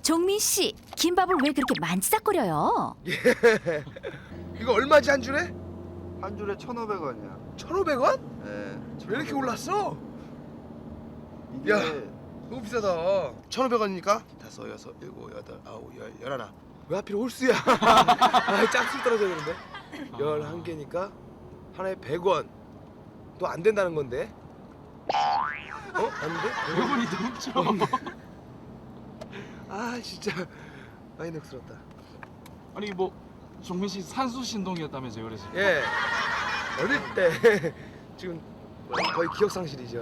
종민 씨, 김밥을 왜 그렇게 만지작거려요? 이거 얼마지 한 줄에? 한 줄에 1,500원이야. 1,500원? 네. 왜 이렇게 올랐어? 이게 야. 너무 비싸다. 1,500원이니까 5, 6, 7, 8, 9, 10, 11. 왜 하필 홀수야? 아, 짝수 떨어져야 되는데. 11개니까 하나에 100원. 또 안 된다는 건데? 어? 안 돼? 100원이 넘죠. 아, 진짜 많이 넉스럽다. 아니 뭐 종민 씨 산수 신동이었다면서요, 그래서. 예. 어릴 때 지금 거의 기억 상실이죠.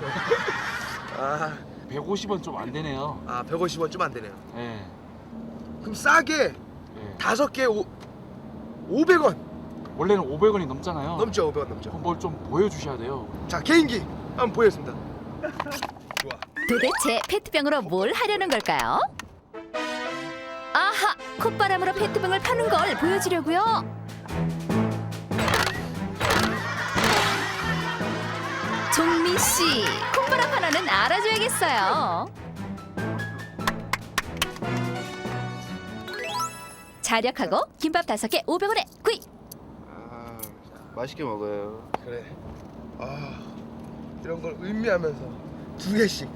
아, 150원 좀 안 되네요. 150원 좀 안 되네요. 예. 그럼 싸게 예. 5개 500원 원래는 500원이 넘잖아요. 넘죠. 500원 넘죠. 뭘 좀 보여주셔야 돼요. 자, 개인기 한번 보겠습니다. 좋아. 도대체 페트병으로 뭘 하려는 걸까요? 아하! 콧바람으로 페트병을 파는 걸 보여주려고요. 종민 씨, 콧바람 하나는 알아줘야겠어요. 자력하고 김밥 5개 500원에 구입. 아, 맛있게 먹어요. 그래. 아, 이런 걸 의미하면서 2개씩.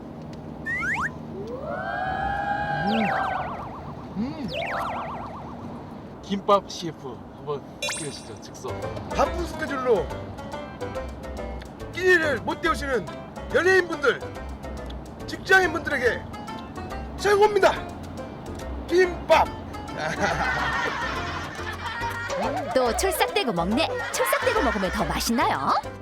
김밥 CF 한번 찍으시죠, 즉석. 바쁜 스케줄로 끼니를 못 때우시는 연예인분들, 직장인분들에게 최고입니다. 김밥. 또 촐싹대고 먹네. 촐싹대고 먹으면 더 맛있나요?